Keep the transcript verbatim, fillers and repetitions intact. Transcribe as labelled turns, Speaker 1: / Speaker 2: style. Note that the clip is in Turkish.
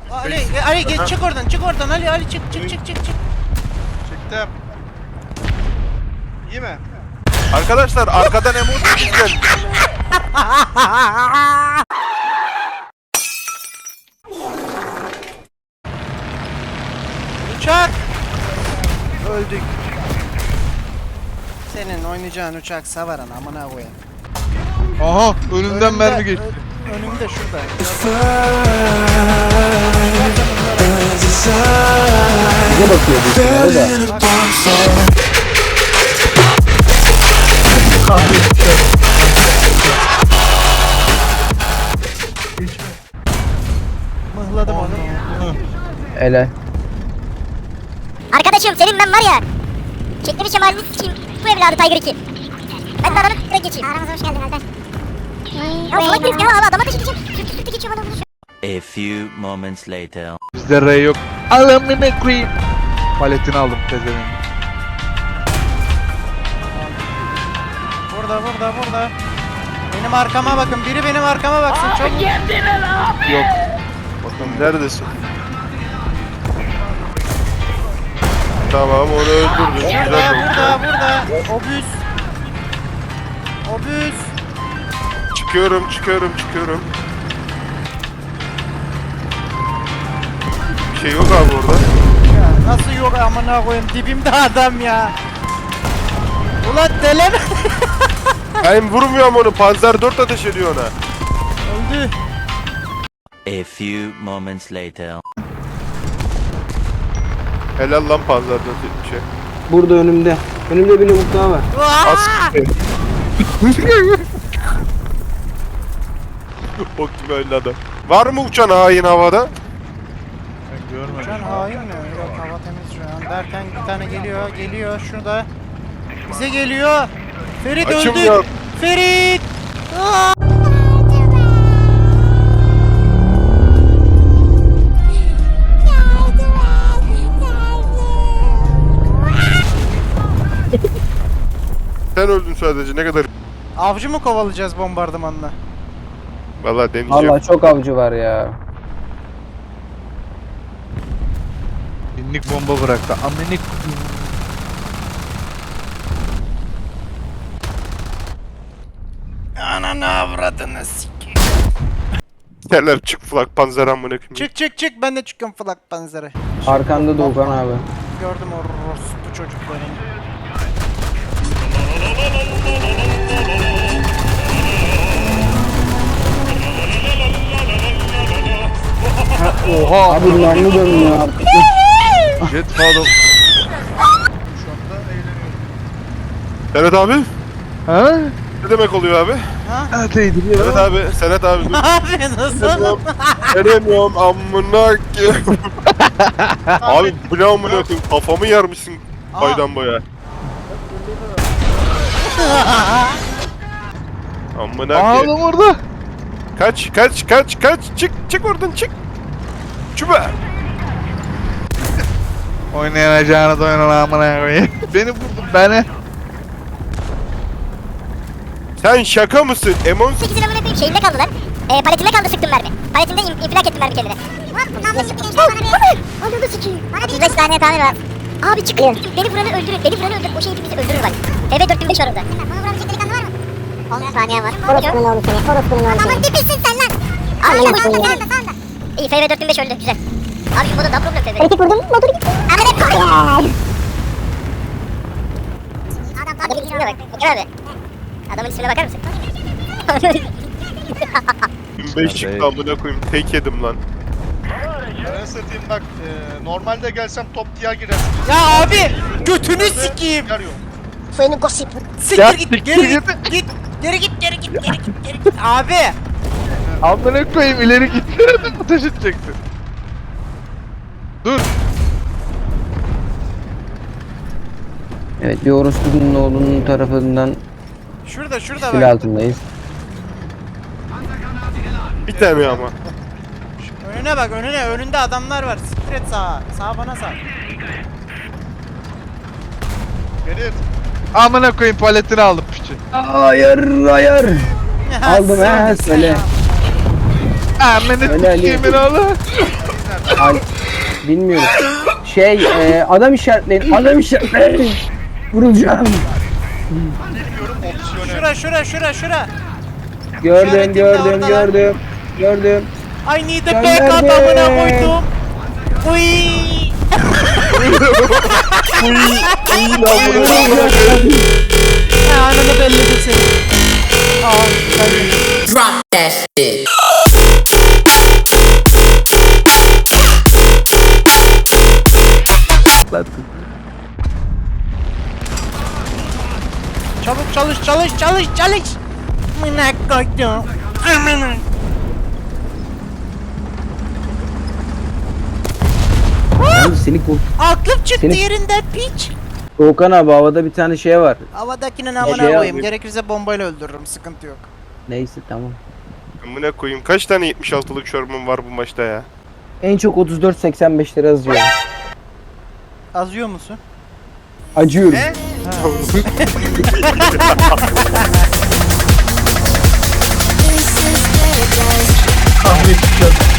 Speaker 1: Ali, Ali geç, çık oradan, çık oradan Ali, Ali çık, çık, çık, çık, çık.
Speaker 2: Çıktım. İyi mi?
Speaker 3: Arkadaşlar arkadan emoji güzel.
Speaker 1: Uçak! Öldük. Senin oynayacağın uçak savaran amına koyayım.
Speaker 4: Aha önünden mermi geçti.
Speaker 1: ö- Önümde şurada.
Speaker 5: Bize bakıyor bu ihtimalle de.
Speaker 1: Mıhladım onu.
Speaker 5: Ele.
Speaker 6: Arkadaşım senin ben var ya. Çektirişim halini sikeyim. Bu evladı Tiger iki. Ben de adamı direkt geçeyim. Aramıza hoş geldin Alper. Ya salak herif ya abi adama da geçeceğim. Sürtü sürtü geçiyorum adamı.
Speaker 7: A few moments later.
Speaker 4: Bizde R yok. Alamine koyayım. Paletini aldım pezevenk.
Speaker 1: Burada, burada, burada. Benim arkama bakın, biri benim arkama baksın. Çok
Speaker 4: Yok.
Speaker 3: Bakın neredesin? Tamam onu öldürdün. Güzel
Speaker 1: burada,
Speaker 3: oldu.
Speaker 1: burada, burada. Obüs. Obüs.
Speaker 3: Çıkıyorum çıkıyorum çıkıyorum. Bir şey yok abi orada.
Speaker 1: Ya nasıl yok amına koyayım, dibimde adam ya. Ulan deleme.
Speaker 3: Ben vurmuyorum onu. Panzer dört ateş ediyor ona.
Speaker 1: Öldü.
Speaker 7: A few moments later.
Speaker 3: Helal lan Panzer dört etmiş şey.
Speaker 5: Burada önümde. Önümde bir lavuk daha var.
Speaker 1: Aa!
Speaker 3: O gibi öyle adam. Var mı uçan hain havada?
Speaker 4: Ben görmedim.
Speaker 1: Uçan hain mi? Yok, hava temiz şu an. Derken bir tane geliyor, geliyor şurada. Bize geliyor. Ferit
Speaker 3: Açım
Speaker 1: öldü.
Speaker 3: yok.
Speaker 1: Ferit. Aa!
Speaker 3: Sen öldün sadece ne kadar.
Speaker 1: Avcı mı kovalayacağız bombardımanla?
Speaker 3: Vallahi deneyeceğim.
Speaker 5: Vallahi çok avcı var ya.
Speaker 4: Binlik bomba bıraktı. Aminik.
Speaker 1: Ananı avradını sikeyim.
Speaker 3: Neler çık flak Panzer amına koyayım.
Speaker 1: Çık çık çık, ben de çıkıyorum Flak Panzer'e.
Speaker 5: Arkanda Doğukan abi.
Speaker 1: Gördüm o bu çocukları.
Speaker 4: Oha.
Speaker 5: Abi namlu dönüyor artık.
Speaker 4: Jet follow.
Speaker 2: Şu anda eğleniyorum.
Speaker 3: Senet abi?
Speaker 4: Ha?
Speaker 3: Ne demek oluyor abi?
Speaker 1: Ha?
Speaker 4: Evet eğdiriyor.
Speaker 3: Senet abi, Senet abi dur.
Speaker 1: Abi nasıl?
Speaker 3: Veremiyorum amına ki. Abi bu ne amına koyayım kafamı yarmışsın
Speaker 1: Aa.
Speaker 3: boydan boya. Amına
Speaker 4: Aa
Speaker 3: ki.
Speaker 4: adam orada.
Speaker 3: Kaç kaç kaç kaç çık çık oradan çık. Çuba.
Speaker 4: Oynayacağını da oynan amına koyayım. Beni vurdu beni.
Speaker 3: Sen şaka mısın? Emon
Speaker 6: sekizin amına koyayım şeyinde kaldı lan. Ee, paletinde kaldı sıktım mermi. Paletinde in, infilak ettim mermi kendine. Hop namlu sıktı gençler bana bir. Ananı sikeyim. Bana bir beş tane tamir var. Abi çıkın. Beni vuranı öldürün. Beni vuranı öldürün. O şey hepimizi öldürür bak. T V dört bin beş var orada. Bana vurabilecek delikanlı var mı? on saniye var. Orospunun oğlu seni. Orospunun oğlu seni. Aman dipisin sen lan. Anladım. Sağında sağında sağında. İyi F V dört bin beş öldü güzel. Abi şu moda daha problem F V. Kritik vurdum motoru gitti. Abi ne koy. Adamın ismine bak. Bakın abi. Adamın ismine bakar mısın?
Speaker 3: beş çıktı amına koyayım tek yedim lan.
Speaker 2: Ben satayım bak. E, normalde gelsem top diğer girersin.
Speaker 1: Ya abi götünü sikeyim.
Speaker 2: Yer yok.
Speaker 6: Seni gossip.
Speaker 1: Siktir git, geri git, git. Geri git, geri git, geri git, geri git. Abi.
Speaker 4: Amına koyayım ileri gitsene de ateş edecektin. Dur.
Speaker 5: Evet bir orospunun oğlunun tarafından
Speaker 1: Şurada, şurada
Speaker 5: silah
Speaker 1: bak.
Speaker 5: altındayız.
Speaker 3: Bir tane ama.
Speaker 1: Önüne bak, önüne. Önünde adamlar var. Siktir et sağa. Sağa bana sağ.
Speaker 2: Ferit.
Speaker 4: Amına koyayım paletini aldım piçi.
Speaker 5: Hayır hayır. Aldım he söyle.
Speaker 4: Amına
Speaker 5: Öyle Ali.
Speaker 4: koyayım oğlu.
Speaker 5: Al bilmiyorum. Şey e, adam işaretleyin. Adam işaretleyin. Vurulacağım.
Speaker 2: Bilmiyorum opsiyonel.
Speaker 1: Şura şura şura şura.
Speaker 5: Gördüm
Speaker 1: İşaretim de
Speaker 5: gördüm
Speaker 1: orada lan.
Speaker 5: gördüm. Gördüm.
Speaker 1: I need a
Speaker 5: Gönderdim.
Speaker 1: backup amına koydum. Uy. Ha, ananı belledim seni. Aa, ben
Speaker 8: Drop that shit.
Speaker 1: Çabuk çalış çalış çalış çalış. Amına koydum. Amına.
Speaker 5: Abi seni kurt.
Speaker 1: Aklım çıktı
Speaker 5: Seni-
Speaker 1: yerinden piç.
Speaker 5: Doğukan abi havada bir tane şey var.
Speaker 1: Havadakinin
Speaker 5: Şey
Speaker 1: amına koyayım.
Speaker 5: yapayım.
Speaker 1: Gerekirse bombayla öldürürüm. Sıkıntı yok.
Speaker 5: Neyse tamam.
Speaker 3: Amına koyayım. Kaç tane yetmiş altılık Sherman var bu maçta ya?
Speaker 5: En çok otuz dört seksen beş lira yazıyor.
Speaker 1: Azıyor musun?
Speaker 5: Acıyorum.
Speaker 2: Ne?
Speaker 4: Kahve içeceğim.